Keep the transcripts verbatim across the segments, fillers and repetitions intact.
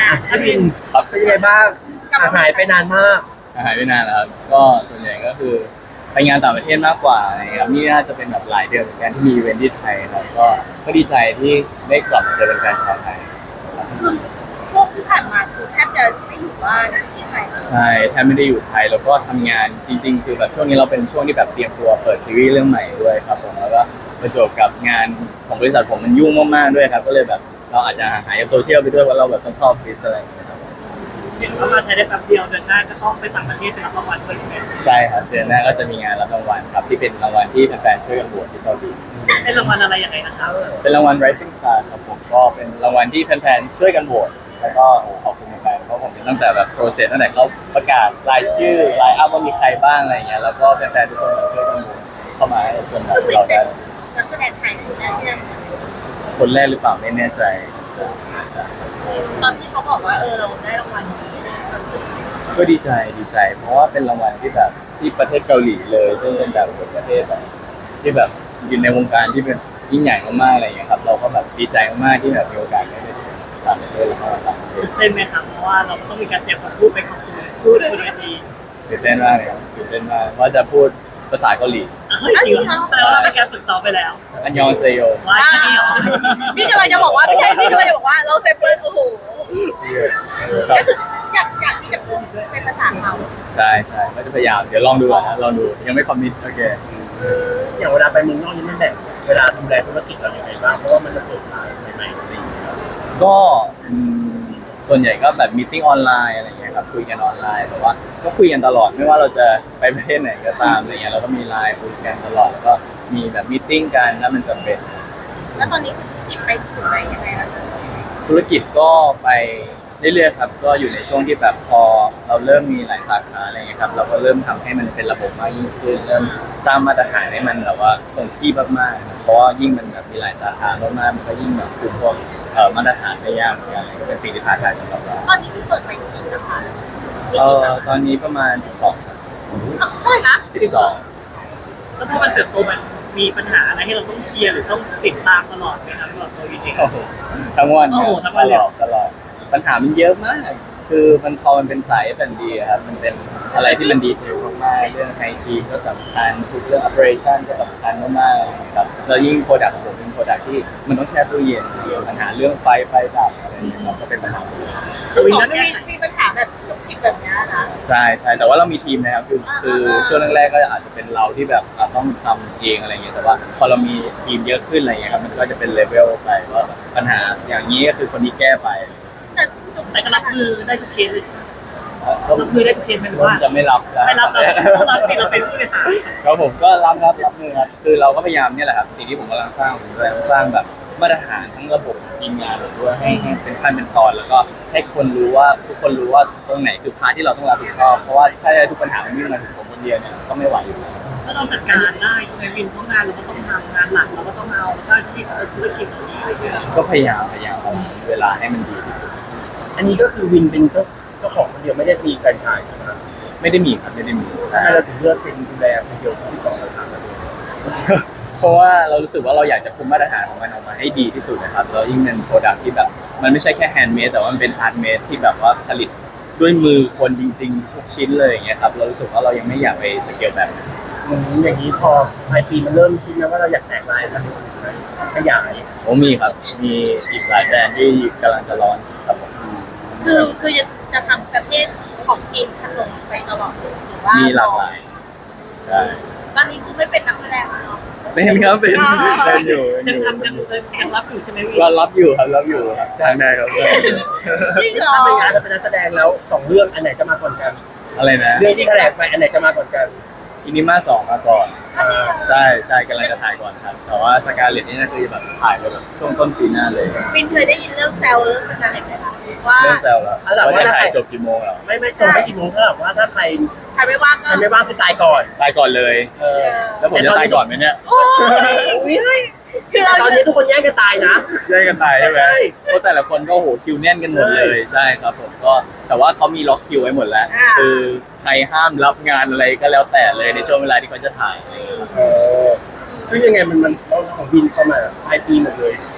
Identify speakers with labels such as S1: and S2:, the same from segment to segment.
S1: อ่ะถ้าบิน
S2: ครับ
S1: เป็นยังไงบ้างอ่ะหายไปนานมาก
S2: หายไปนานแล้วครับก็ส่วนใหญ่ก็คือไปงานต่างประเทศมากกว่าอะไรเงี้ยครับนี่น่าจะเป็นแบบหลายเดือนเหมือนกันที่มีอีเวนท์ที่ไทยครับก็ก็ดีใจที่ได้กลับมาเจอแฟนๆชาวไทยครับ
S3: คือช่วงที่ผ่านมาคือแทบจะไม่อยู่บ้านที่ไทยเลย
S2: ใช่แทบไม่ได้อยู่ไทยแล้วก็ทำงานจริงๆคือแบบช่วงนี้เราเป็นช่วงที่แบบเตรียมตัวเปิดซีรีส์เรื่องใหม่ด้วยครับผมแล้วก็ประจวบกับงานของบริษัทผมมันยุ่งมากๆด้วยครับก็เลยแบบเราอาจจะห่างหายจากโซเชียลไปด้วยว่าะเราแบบต้องเข้าออฟฟิศอะไรอย่างเงี้ยครับ
S4: เห็นว่ามาไทยได้แป๊บเดียวเดือนหน้าก็ต้องไปต่างประเทศไปรับรางวัลด้วยใช่ไหม
S2: ใช่ครับเดือนหน้าก็จะมีงานรับรางวัลครับที่เป็นรางวัลที่แฟนๆช่วยกันโหวตที่เกาหลี
S4: เป็นรางวัลอะไรยังไงนะครับ
S2: เป็นรางวัล Rising Star ครับผมก็เป็นรางวัลที่แฟนๆช่วยกันโหวตแล้วก็โอ้ขอบคุณแฟนๆเพราะผมเป็นตั้งแต่แบบโปรเซสตั้งแต่เขาประกาศรายชื่อรายอัพว่ามีใครบ้างอะไรอย่างเงี้ยแล้วก็แฟนๆทุกคนแบบช่วยกันโหวตเข้ามาให้จนแบบ
S3: ซึ่งวิน
S2: เรา
S3: เป็
S2: ได้
S3: นนักแสดงไทยคนแรกที่ได้
S2: คนแรกหรือเปล่าไม่แน่ใจ
S3: ตอนที่เขาบอกว่าเออเราได้รางวัลนี้นะความรู้สึก
S2: ก็ดีใจดีใจ เพราะว่าเป็นรางวัลที่แบบที่ประเทศเกาหลีเลยซึ่งเป็นแบบประเทศแบบที่แบบอยู่ในวงการที่เป็นยิ่งใหญ่มากๆอะไรอย่างเงี้ยครับเราก็แบบดีใจมากๆที่แบบมีโอกาสได้ไปต่างประเทศแล้วก็ต่างประเทศ
S4: ตื่นเต้นไหมครับเพราะว่าเราต้องมีการเตรียมคำพูดไปขอบคุณพูดบนเวที
S2: ตื่นเต้นมากเลยครับตื่นเต้นมากว่าจะพูดภาษาเกาหลี
S4: เฮ้ยจริงเหรอแต่ว่าเราเป็นการฝึกซ้อมไปแล้ว
S2: อันยองเซโย
S4: ว่าแค่นี้เหรอ
S3: พี่กำลังจะบอกว่าพี่แค่พี่กำลังจะบอกว่าเราเซฟเปิลโอ้โห
S2: ครับ
S3: ก็คืออยากอยากที่จะพูดเป็นภาษาเขา
S2: ใช่ใช่ก็จะพยายามเดี๋ยวลองดูก่อนนะลองดูยังไม่คอมมิตโอเค
S1: อย่างเวลาไปเมืองนอกนี่มันแบ่งเวลาดูแลธุรกิจเราอย่างไรบ้างเพราะว่ามันจะเปิดร้านใหม่ๆอะไรอย่างเงี้ยครับ
S2: ก็อืมส่วนใหญ่ก็แบบมีติ้งออนไลน์อะไรเงี้ยครับคุยกันออนไลน์แต่ว่าก็คุยกันตลอดไม่ว่าเราจะไปประเทศไหนก็ตามอะไรเงี้ยเราก็มีไลน์คุยกันตลอดแล้วก็มีแบบมีติ้งกันถ้ามันจำเป็น
S3: แล้วตอนนี้คือธุรกิจไปถึงไหนยังไงแล้ว
S2: ธุรกิจก็ไปเรื่อยๆครับก็อยู่ในช่วงที่แบบพอเราเริ่มมีหลายสาขาอะไรเงี้ยครับเราก็เริ่มทำให้มันเป็นระบบมากยิ่งขึ้นเริ่มสร้างมาตรฐานให้มันแบบว่าคงที่มากๆเพราะว่ายิ่งมันแบบมีหลายสาขามากๆมันก็ยิ่งแบบคุมพวกเอ่อมาตรฐานได้ยากเหมือนกันอะไรก็เป็นสิ่งที่ท้าทายสำหรับเรา
S3: ตอนนี้คือเปิดไปกี่สาขาแล้วมี
S2: เอ่
S3: กี่
S2: อ
S3: สาขา
S2: ตอนนี้ประมาณสิบสองครับ
S3: เท่าไหร่นะ
S2: สิบสอง
S4: แล้วพอมันเติบโตมันมีปัญหาอะไรให้เราต้องเคลียร์หรือต้องติดตามตลอดไหมครับสำหรับตัววินเอง
S2: โอ้โหทั้งวัน
S4: โอ้โหทั้งวัน
S2: ต
S4: เลย
S2: ลอดตลอดปัญหามันเยอะมาก คือมันพอมันเป็นสาย เอฟ แอนด์ บี อะครับมันเป็นอะไรที่มันดีเทลมากๆเรื่องไอทีก็สำคัญทุกเรื่อง operation ก็สำคัญมากๆครับแล้วยิ่งโปรดักต์ของผมเป็นโปรดักต์ที่มันต้องแช่ตู้เย็นเกี่ยวปัญหาเรื่องไฟไฟดับอะไรอย่างเงี้ยครับก็เป็นปัญหา
S3: คือหมอไม่มีมีปัญหาแบบจุกจิกแบบเนี้ยนะ
S2: ใช่ใช่แต่ว่าเรามีทีมนะครับคือคือช่วงแรกๆก็อาจจะเป็นเราที่แบบอ่ะต้องทำเองอะไรเงี้ยแต่ว่าพอเรามีทีมเยอะขึ้นอะไรเงี้ยครับมันก็จะเป็นเลเวลไปว่าปัญหาอย่างนี้ก็คือคนนี้แก้ไป
S3: แต่จุก
S4: แต่
S3: จิก
S4: ก็
S3: ข
S4: รับ
S3: นาด
S4: มือได้ทุกเคสเลย
S2: ก็
S4: รับมือได้ทุกเคสไหมหรือว่า
S2: จะไม่รับนะ
S4: ไม่รับเราเราสิเราเป็นผู้บริหาร
S2: ครับผมก็รับรับรับมือครับคือเราก็พยายามเนี่ยแหละครับสิ่งที่ผมกำลังสร้างผมกำลังสร้างแบบมาตรฐานทั้งระบบทีมงานเราด้วยให้ให้เป็นขั้นเป็นตอนแล้วก็ให้คนรู้ว่าทุกคนรู้ว่าตรงไหนคือพาร์ทที่เราต้องรับผิดชอบเพราะว่าถ้าทุกปัญหามันวิ่งมาถึงผมคนเดียวเนี่ยก็ไม่ไหวอยู่แล้ว
S4: ถ้าเราจัดการได้ใช่ไหมวินเพราะงานเราก็ต้องทำงานหลักเราก็ต้องเอาอาชีพธุรกิจเหล่านี้อะไรเงี้ย
S2: ก็พยายามพยายามเอาเวลาให้มันดีที่สุด
S1: อันนี้ก็คือวินเป็นเจ้าเจ้าของคนเดียวไม่ได้มีแฟรนไชส์ใช่ไหมครับ
S2: ไม่ได้มีครับไม่ได้มีใช่
S1: ทำไมเราถึงเลือกเป็นดูแลคนเดียวที่สองสาขาเลย
S2: เพราะว่าเรารู้สึกว่าเราอยากจะคุมมาตรฐานของมันออกมาให้ดีที่สุดนะครับแล้วยิ่งเป็นโปรดักที่แบบมันไม่ใช่แค่แฮนด์เมดแต่ว่ามันเป็นฮาร์ดเมดที่แบบว่าผลิตด้วยมือคนจริงๆทุกชิ้นเลยอย่างเงี้ยครับเรารู้สึกว่าเรายังไม่อยากไปสเกลแบบนั้น
S1: อืมอย่างนี้พอปลายปีมันเริ่มคิดไหมว่าเราอยากแตกลายแล้วขยาย
S2: โอ้มีครับมีอีกหลายแบรนด์ที่กำลังจะร้อนครับผม
S3: คือคือจะจะทำประเภทของกินขนมไปตลอดหรือว่า
S2: มี
S3: มี
S2: หลากหลายใช่
S3: ตอนนี้คือไม่เป็นนักแสดงแล้วเนาะ
S2: เป็นครับเป็น
S3: อ๋อ
S2: เป็นอยู่เป็น
S4: ยัง
S2: อยู่
S4: ทำยังยังรับอยู่ใช่ไหมวิน
S2: เรารับอยู่ครับรับอยู่ครับจ้างได้ครับ
S3: จริงเหรอ
S1: ถ้าเป็นงานจะเป็นนักแสดงแล้วสองเรื่องอันไหนจะมาก่อนกัน
S2: อะไรนะ
S1: เรื่องที่แถลงไปอันไหนจะมาก่อนกัน
S2: อินิมาสองมาก่อน
S1: อ่า
S2: ใช่ใช่กำลังจะถ่ายก่อนครับ แต่ว่าสกาเลตนี่น่าคือแบบถ่ายไปแบบช่วงต้นปีหน้าเลย
S3: วินเคยได้ยินเรื่องแซวเรื่องสการเล็ตไหมคะว่า
S2: เริ่มแซวแล้วว่าจะถ่ายจบกี่โมงแล้ว
S1: ไม่ไม่ตรงไม่กี่โมงเท่ากับว่าถ้าใคร
S3: ใครไม่ว่างก็
S1: ใครไม่ว่างคือตายก่อน
S2: ตายก่อนเลย
S1: เออ
S2: แล้วผมจะตายก่อนไหมเนี่ย
S3: โอ้ย
S1: อุ้ย
S3: คือเรา
S1: ตอนนี้ทุกคนแย่งกันตายนะ
S2: แย่งกันตายใช่ไหม
S1: ใช่
S2: เพราะแต่ละคนก็โหคิวแน่นกันหมดเลยใช่ครับผมก็แต่ว่าเขามีล็อกคิวไว้หมดแล้ว คือใครห้ามรับงานอะไรก็แล้วแต่เลยในช่วงเวลาที่เขาจะถ่าย
S1: เออซึ่งยังไงมันมันเราของบินเข้ามาปลายปีหมดเลย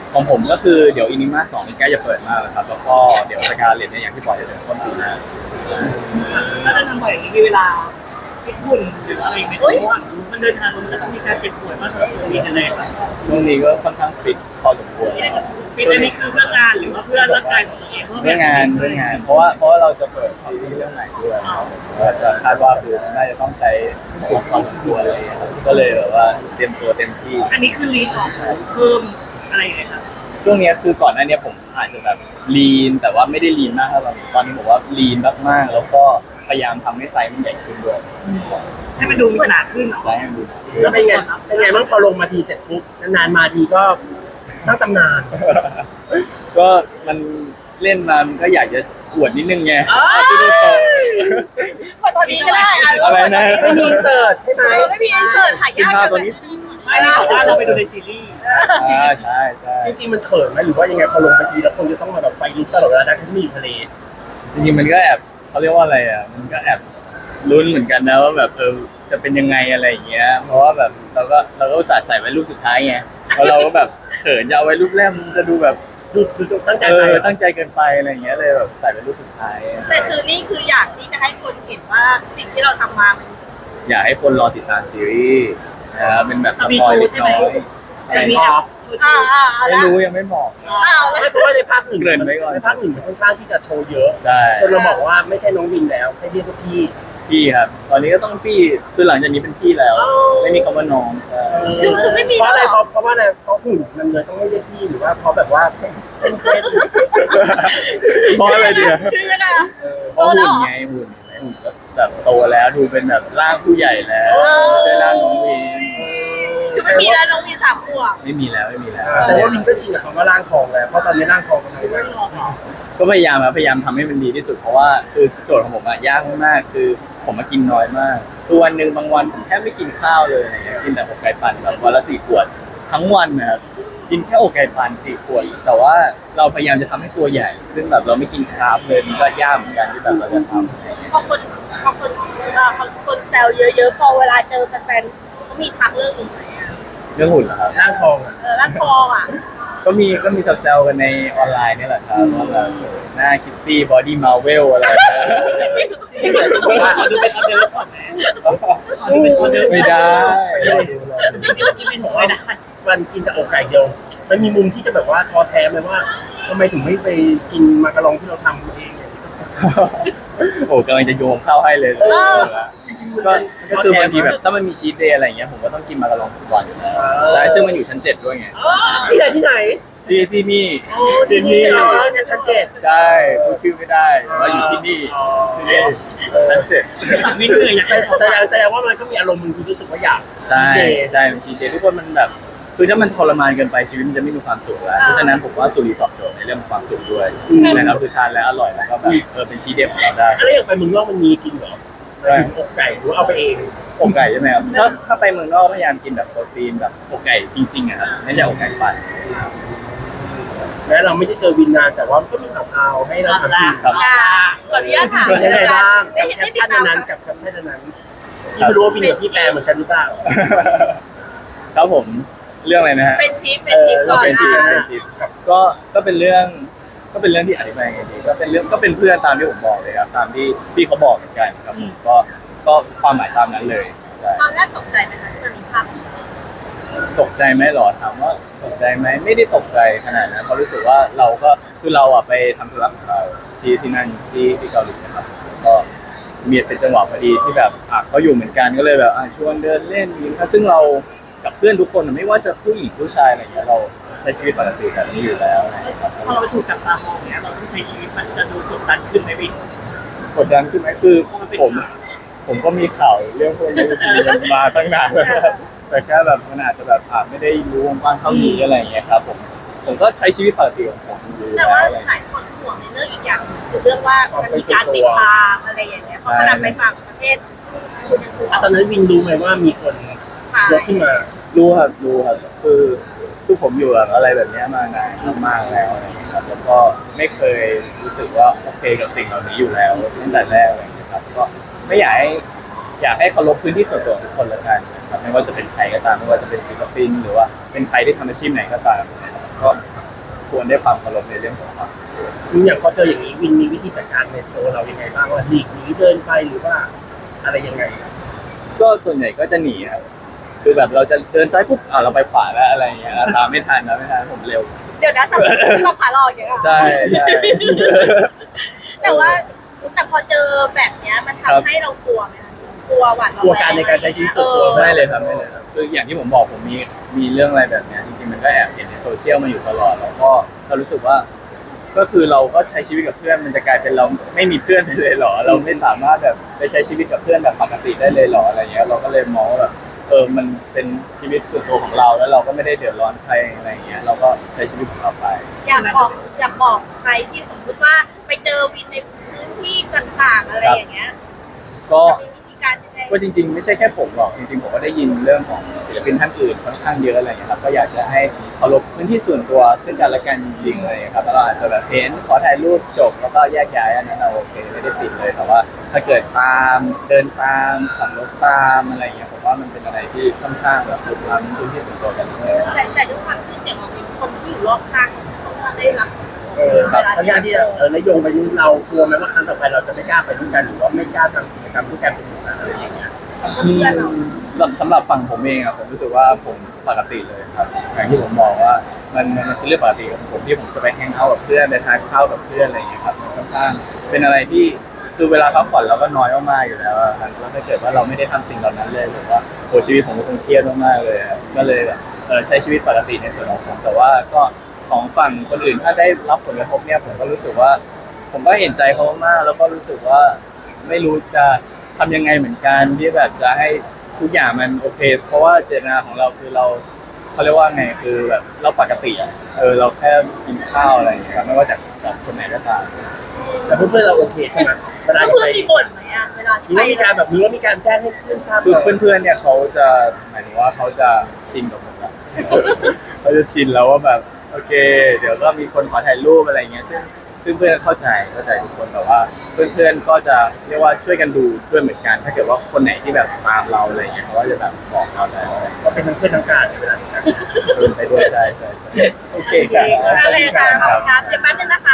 S2: ของผมก็คือเดี๋ยวอินิมาสองนี่ใกล้จะเปิดมากแล้วครับแล้วก็เดี๋ยวสกาเลตเนี่ยอย่างที่บอกจะเป็นต้นปีหน้า
S4: ถ้าเราทำบ่อยอย่างนี้มีเวลาฟิตหุ่นหรืออะไรไหมเพราะว่ามันเดินทางมันก็ต้องมีการเจ็บป่วยมากสำหรับตัวนี้กันเลยครับ
S2: ช่วงนี้ก็ค่อนข้างฟิตพอสมควร
S4: ฟิตอันนี้คือเพื่องานหรือว่าเพื่อร่างกายของตัวเอง
S2: เรื่องงานเรื่องงาน เพราะว่าเพราะว่าเราจะเปิดซีรีส์เรื่องใหม่ด้วยก็จะคาดว่าคือน่าจะต้องใช้ความสมควรอะไรอย่างเงี้ยครับก็เลยแบบว่าเตรียมตัวเต็มที่
S4: อันนี้คือรีดออกเพิ่มอะไรอย่างเงี้ยครับ
S2: ช่วงเนี้ยคือก่อนหน้าเนี้ยผมอาจจะแบบลีนแต่ว่าไม่ได้ลีนมากเท่าไหร่ตอนนี้ผมว่าลีนมากๆแล้วก็พยายามทำให้ไซส์มันใหญ่ขึ้นด้วย
S4: ให้มันดูมีขนาดขึ้นเนาะ
S2: ไซส์ให้มันดู
S1: แล้วเป็นไงเป็นไงบ้างพอลงมาทีเสร็จปุ๊บนานๆมาทีก็สร้างตำนาน
S2: ก็มันเล่นมามันก็อยากจะอวดนิดนึงไง
S1: เอ้ย
S2: ที่ดูโต
S3: กดตอนนี้ก็ได้อ่ะ
S2: อะไรนะ
S1: ไม่มีอินเสิร์ตใช่ไหม
S3: เออไม่มีอินเสิร์ตหา
S2: ขึ้น
S3: ยาก
S2: ภาพ
S3: จัง
S2: ตัว
S3: เล
S2: นี้
S3: ย
S4: ไม่ได้บอกว่าเราไปดูในซีรีส์
S2: อ่าใช่ใช่
S1: จริงๆมันเขินไหมหรือว่ายังไงพอลงไปทีแล้วคนจะต้องมาแบบไฟลุกตลอดเวลาทั้งที่มีอยู่ทะเล
S2: จริงๆมันก็แอบเขาเรียกว่าอะไรอ่ะมันก็แอบลุ้นเหมือนกันนะว่าแบบเออจะเป็นยังไงอะไรอย่างเงี้ยเพราะว่าแบบเราก็เราก็อุตส่าห์ใส่ไว้รูปสุดท้ายไงเพราะเราก็แบบเขินจะเอาไว้รูปแรกมันจะดูแบบ
S1: ดูดูจงตั้งใจ
S2: เอ
S1: ไป
S2: อตั้งใจเกินไปอะไรอย่างเงี้ยเลยแบบใส่เป็นรูปสุดท้าย
S3: แต่คือนี่คืออยากที่จะให้คนเห็นว่าสิ่งที่เราทำมามัน
S2: อยากให้คนรอติดตามซีรีส์นะครับเป็นแบบสปอยเล็กน้อย
S4: แต่มี
S1: พอ
S3: อ่าอ่าอ่า
S2: ไม่รู้ยังไม่บอก
S3: อ้าว
S1: ไม่เพราะว่าในภาคหนึ่ง
S2: เกริ่นไว้ก่อน
S1: ในภาคหนึ่งมันค่อนข้างที่จะโชว์เยอะ
S2: ใช่
S1: จนเราบอกว่าไม่ใช่น้องวินแล้วให้เรียกว่าพี่
S2: พี่ครับ ตอนนี้ก็ต้องพี่คือหลังจากนี้เป็นพี่แล้ว
S1: อ๋อ
S2: ไม่มีคำว่าน้องใช่
S3: คือคือไม่มี
S1: เพราะอะไร
S3: แล้ว
S1: เพราะเพราะว่าอะไรเพราะหุ่นมันเลยต้องไม่เรียกพี่หรือว่าเพราะแบบว่าเป็นเฟซ
S2: เพราะอะไรเดียว
S3: คือไม่ได้
S2: เพราะหุ่นไงหุ่นไงหุ่นก็แบบโตแล้วดูเป็นแบบร่างผู้ใหญ่แล้วไม่ใช่ร่างน้องวิน
S3: คือไม่มีแล้วน้องมีสามขวบ
S2: ไม่มีแล้วไม่มีแล้ว
S1: แสดงว่าวินก็ชินกับคำว่าร่างทองแล้วเพราะตอนนี้ร่างทองกำลังมา
S2: ก็พยายามครับพยายามทำให้มันดีที่สุดเพราะว่าคือโจทย์ของผมอะยากมากๆคือผมมากินน้อยมากคือวันหนึ่งบางวันผมแทบไม่กินข้าวเลยอะไรเงี้ยกินแต่อกไก่ปั่นแบบวันละสี่ขวดทั้งวันนะครับกินแค่อกไก่ปั่นสี่ขวดแต่ว่าเราพยายามจะทำให้ตัวใหญ่ ซึ่งแบบเราไม่กินคาร์บเลยมันก็ยากเหมือนกันที่แบบเราจะทำอะไรเงี้ย
S3: พอคนพอคนเอ่อพอคนแซวเยอะๆพอเวลาเจอแฟนๆเขามีทักเรื่องนี้ไหมอ่ะ
S2: เรื่องหุ่นเหรอครับ
S1: ร่างทองอ่ะ
S3: เออแล้วคออ่ะ
S2: ก็มีก็มีแซวๆกันในออนไลน์นี่แหละครับว่าแบบหน้าคิตตี้บอดี้มาเวลอะไรนะ
S1: จริงๆเลยบอกว่า
S4: ขอดูเป็นออเดอร์ก่อนไหมขอดูเป็นออเดอร์
S2: ไม่ได้
S1: จริงๆที่วินบอกว่ามันกินแต่อกไก่เดียวมันมีมุมที่จะแบบว่าท้อแท้ไหมว่าทำไมถึงไม่ไปกินมาการองที่เราทำเองเนี่ย
S2: โอ้กำลังจะโยงเข้าให้เลย
S1: เออ
S2: ก็ก็คือบางทีแบบถ้ามันมีชีทเดย์อะไรอย่างเงี้ยผมก็ต้องกินมาการองทุกวันอยู่แล้วใช่ซึ่งมันอยู่ชั้นเจ็ดด้วยไง
S1: อ๋อที่ไหนที่ไหน
S2: ที่ที่นี่
S1: โอ้ที่นี่เหรอเนี่ยชั้นเจ็ด
S2: ใช่พูดชื่อไม่ได้ว่าอยู่ที่นี่
S1: อ๋อ
S2: ที่นี่ชั้นเจ็ด
S4: ตัดวินเลยอยาก
S1: แส
S4: ได้
S1: แสดงแสดงว่ามันก็มีอารมณ์บางทีรู้สึกว่าอยาก
S2: ใช่
S1: ชีทเดย์
S2: ใช่เป็นชีทเดย์ทุกคนมันแบบคือถ้ามันทรมานเกินไปชีวิตมันจะไม่มีความสุขแล้วเพราะฉะนั้นผมว่าสุรีตอบโจทย์ในเรื่องความสุขด้วยนะครับคือทานแล้วอร่อยแล้วก็แบบเออเป็นชีทเดย์ของเราได้
S1: แล้วอย่างไปเมึงนอกมันมีกินเหรออกไก่หรือเอาไปเอง
S2: อกไก่ใช่ไหมครับถ้าถ้าไปเมืองนอกพยายามกินแบบโปรตีนแบบอกไก่จริงๆอะครับไม่ใช่อกไก่ปั่น
S1: แม้เราไม่ได้เจอวินนานแต่ว่าก็มีข่าวๆให้เราทำกิน
S2: ครับ
S3: อ่าขออนุญาตถาม
S1: เป็นยังไงบ้าง
S3: ได้
S1: กับ
S3: เห็น
S1: แค
S3: ได้
S1: ป
S3: ติด
S1: ชั่น
S3: ตาม
S1: นั้นกับแคปชั่นนั้นที่ไม่รู้ว่าวินกับพี่แปรเหมือนกันหรือเปล่า
S2: ครับผมเรื่องอะไรนะฮะ
S3: เป็นชีฟเป็นชีฟก่อน
S2: เป็นชีพ
S3: อ่ะ
S2: เป็นชีพก็ก็เป็นเรื่องก็เป็นเรื่องที่อธิบายไงดีก็เป็นเรื่องก็เป็นเพื่อนตามที่ผมบอกเลยครับตามที่ที่เขาบอกเหมือนกันครับผมก็ก็ความหมายตามนั้นเลยใช่
S3: ตอนแรกตกใจไหมคะที่มันมีภาพนี้
S2: ตกใจไหมหรอถามว่าตกใจไหมไม่ได้ตกใจขนาดนั้นเพราะรู้สึกว่าเราก็คือเราอ่ะไปทำธุระของเราที่ที่นั่นที่ที่เกาหลีนะครับก็มีเป็นจังหวะพอดีที่แบบอ่ะเขาอยู่เหมือนกันก็เลยแบบอ่ะชวนเดินเล่นกินข้าวซึ่งเรากับเพื่อนทุกคนไม่ว่าจะผู้หญิงผู้ชายอะไรอย่างเงี้ยเราใช้ชีวิตปกติแบบนี้อยู่แล้วนะครับ
S4: พอเราไปถูกจับตามองเนี้ยเราต้องใช้ชีวิตมันจะดูกดดันขึ้นไหมวิน
S2: กดดันขึ้นไหมคือผมผมก็มีข่าวเรื่องพวกนี้มาตั้งนานแล้วแต่แค่แบบมันอาจจะแบบอาจไม่ได้รู้วงกว้างเท่านี้อะไรอย่างเงี้ยครับผมผมก็ใช้ชีวิตปกติของผมอยู่
S3: แต่
S2: แล้ว
S3: ว่า
S2: อะไร
S3: หลายคนห่วงในเรื่องอีกอย่างหนึ่งคือเรื่องว่ามันมีการติดตามอะไรอย่างเงี้ยเพราะขนาดไปต่างประเทศคุณยังถูก
S1: อ่ะตอนนั้นวินรู้ไหมว่ามีคนยกขึ้นมา
S2: รู้ครับรู้ครับคือคือผมอยู่แบบอะไรแบบเนี้ยมานานมากๆแล้วอะไรอย่างเงี้ยครับแล้วก็ไม่เคยรู้สึกว่าโอเคกับสิ่งเหล่านี้อยู่แล้วตั้งแต่แรกอะไรอย่างเงี้ยครับก็ไม่อยากให้อยากให้เคารพพื้นที่ส่วนตัวของทุกคนละกันนะครับไม่ว่าจะเป็นใครก็ตามไม่ว่าจะเป็นศิลปินหรือว่าเป็นใครที่ทำอาชีพไหนก็ตามนะครับก็ควรได้ความเคารพในเรื่องของความ
S1: อย่างพอเจออย่างนี้วินมีวิธีจัดการในตัวเรายังไงบ้างว่าหลีกหนีเดินไปหรือว่าอะไรยังไง
S2: ก็ส่วนใหญ่ก็จะหนีครับคือแบบเราจะเดินซ้ายปุ๊บอ่าเราไปขวาแล้วอะไรอย่างเงี้ยอ่ะตามไม่ทันนะไม่ทันผมเร็ว
S3: เดี๋ยวนะสมมติเราขาหลอกอย่างเงี้ยค่ะ
S2: ใช่ใช่
S3: แต่ว่าแต่พอเจอแบบเนี้ยมัน
S2: ครับ
S3: ทำให้เรากลัวไหมคะกลัวหวาดระ
S1: กลัว
S3: แวง
S1: การในการใช้ชีวิตส่วนตัว
S3: ออ
S2: ไม่เลยครับไม่เลยครับคืออย่างที่ผมบอกผมมีมีเรื่องอะไรแบบเนี้ยจริงๆมันก็แอบเห็นในโซเชียลมาอยู่ตลอดแล้วก็เรารู้สึกว่า ก็คือเราก็ใช้ชีวิตกับเพื่อนมันจะกลายเป็นเราไม่มีเพื่อนไปเลยเหรอ เราไม่สามารถแบบไปใช้ชีวิตกับเพื่อนแบบปกติได้เลยเหรออะไรเงี้ยเราก็เลยมองว่าแบบเออมันเป็นชีวิตส่วนตัวของเราแล้วเราก็ไม่ได้เดือดร้อนใครอะไรเงี้ยเราก็ใช้ชีวิตของเราไป
S3: อยากบอกอยากบอกใครที่สมมติว่าไปเจอวินในพื้นที่ต่างๆ อะไรอย่างเงี้ย
S2: ก็
S3: มีวิธีการยังไง
S2: ก็จริงๆไม่ใช่แค่ผมหรอกจริงๆผมก็ได้ยินเรื่องของศิลปินท่านอื่นค่อนข้างเยอะอะไรอย่างเงี้ยครับก็อยากจะให้เคารพพื้นที่ส่วนตัวซึ่งกันและกันจริงๆอะไรอย่างเลยครับแล้วเราอาจจะแบบเห็นขอถ่ายรูปจบแล้วก็แยกย้ายอันนั้นเราโอเคไม่ได้ติดเลยแต่ว่า ถ้าเกิดตามเดินตามขับรถตามอะไรอย่างเงี้ยผมว่ามันเป็นอะไรที่ค่อนข้างแบบลุกล้ำพื้นที่ส่วนตัวกันเลย
S3: แต่แต่ด้วยความชื่อเสียงของวินคนที่อยู่รอบข้างเขาก็ได้รับ
S1: เออครับเพราะงานที่เออนโยงไปนู้นเรากลัวไหมว่าครั้งต่อไปเราจะไม่กล้าไปด้วยกันหรือว่าไม่กล้าทำกิจกรรมด้วยกันเป็นหมู่คณะอะไรอย่างเงี้ย
S3: กับเพื่อนเรา
S2: สำสำหรับฝั่งผมเองอะผมรู้สึกว่าผมปกติเลยครับอย่างที่ผมบอกว่ามันมันคือเรื่องปกติของผมที่ผมจะไปแฮงเอาท์กับเพื่อนไปทานข้าวกับเพื่อนอะไรอย่างเงี้ยครับมันค่อนข้างเป็นอะไรที่คือเวลาพักผ่อนเราก็น้อยมากๆอยู่แล้วอะครับแล้วถ้าเกิดว่าเราไม่ได้ทำสิ่งเหล่านั้นเลยผมว่าโหชีวิตผมก็คงเครียดมากๆเลยอะก็เลยแบบเออใช้ชีวิตปกติในส่วนของผมแต่ว่าก็ของฝั่งคนอื่นถ้าได้รับผลกระทบเนี่ยผมก็รู้สึกว่า ผมก็เห็นใจเขามากๆแล้วก็รู้สึกว่าไม่รู้จะทำยังไงเหมือนกันที่แบบจะให้ทุกอย่างมันโอเค เพราะว่าเจตนาของเราคือเราเขาเรียกว่าไงคือแบบเราปกติอ่ะเออเราแค่กินข้าวอะไรอย่างเงี้ยครับไม่ว่าจากจากคนไหนก็ตาม
S1: แต่เพื่อนๆเราโอเคใช่ไหมเวลา
S3: แล้ว
S1: จะ
S3: เพื่
S1: ไป
S3: อนมีบ่นไหมอะเวลาที่
S1: มี
S3: ไป
S1: ว่ามีการแบบนี้ว่ามีการแจ้งให้เพื่อนทราบ
S2: คือ
S1: ก่อน
S2: เพื่อนๆเนี่ยเขาจะหมายถึงว่าเขาจะชินกับผมแล้ว เขาจะชินแล้วว่าแบบโอเค เดี๋ยวก็มีคนขอถ่ายรูปอะไรอย่างเงี้ยซึ่งซึ่งเพื่อนเข้าใจเข้าใจทุกคนแต่ว่าเพื่อนๆก็จะเรียกว่าช่วยกันดูด้วยเหมือนกัน ถ้าเกิดว่าคนไหนที่แบบตามเราอะไรอย่างเงี้ยเขาก็จะแบบบอกเราได้ว่า
S1: ก็เป็นทั้งเพื่อนทั้งการในเวลานี้
S2: เดินไปด้วยใช่ใช่ใช่โอเคครับ
S3: อะไรคะขอบคุณครับเดี๋ยวแป๊บนึงนะคะ